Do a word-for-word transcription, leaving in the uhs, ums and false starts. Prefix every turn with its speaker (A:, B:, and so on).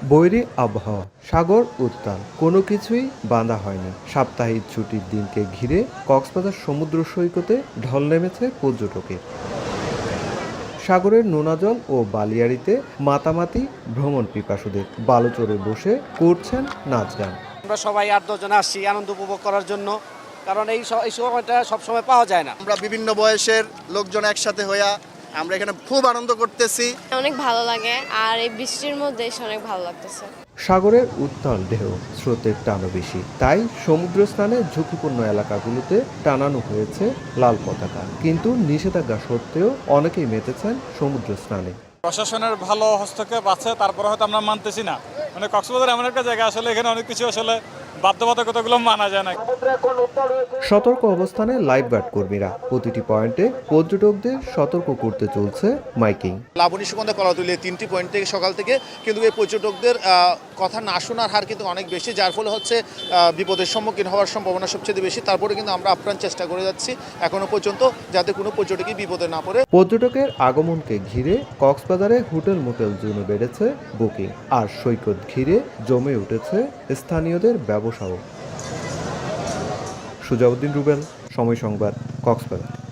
A: বৈরী আবহাওয়া, সাগর উত্তাল, কোনো কিছুই বাঁধা হয়নি। সাপ্তাহিক ছুটির দিনকে ঘিরে কক্সবাজার সমুদ্র সৈকতে ঢল নেমেছে পর্যটকের। সাগরের নোনা জল ও বালিয়াড়িতে মাতামাতি ভ্রমণ পিপাসুদের। বালুচরে বসে করছেন নাচ গান।
B: আমরা সবাই আট দশজন আসছি আনন্দ উপভোগ করার জন্য, কারণ এই এই সময়টা সবসময় পাওয়া যায় না।
C: আমরা বিভিন্ন বয়সের লোকজন একসাথে হইয়া আমরা এখানে খুব আনন্দ করতেছি।
D: অনেক ভালো লাগে, আর এই বৃষ্টির মধ্যে এসে অনেক ভালো লাগতেছে।
A: সাগরের উত্তাল ঢেউ, স্রোতের টানও বেশি, তাই সমুদ্র স্নানে ঝুঁকিপূর্ণ এলাকাগুলোতে টানানো হয়েছে লাল পতাকা। কিন্তু নিষেধাজ্ঞা সত্ত্বেও অনেকেই মেতেছেন সমুদ্র স্নানে।
E: প্রশাসনের ভালো হস্তক্ষেপ আছে, তারপরে হয়তো আমরা মানতেছি না। মানে কক্সবাজার এমন একটা জায়গা, আসলে এখানে অনেক কিছু আসলে বাধ্যবাধকতাগুলো মানা যায় না।
A: সতর্ক অবস্থানে লাইফগার্ড কর্মীরা প্রতিটি পয়েন্টে পর্যটকদের সতর্ক করতে চলছে মাইকিং।
C: লাবণী সুগন্ধা কলাতুলিয়া তিনটি পয়েন্ট থেকে সকাল থেকে কিন্তু এই পর্যটকদের কথা না শোনার হার কিন্তু অনেক বেশি, যার ফলে হচ্ছে বিপদের সম্মুখীন হওয়ার সম্ভাবনা সবচেয়ে বেশি। তারপরে কিন্তু আমরা আপ্রাণ চেষ্টা করে যাচ্ছি এখনো পর্যন্ত যাতে কোনো পর্যটকই বিপদে না পড়ে।
A: পর্যটকের আগমনকে ঘিরে কক্সবাজারে হোটেল মোটেল জোনে বেড়েছে বুকিং, আর সৈকত ঘিরে জমে উঠেছে স্থানীয়দের ব্যবসাও। সুজাউদ্দিন রুবেল, সময় সংবাদ, কক্সবাজার।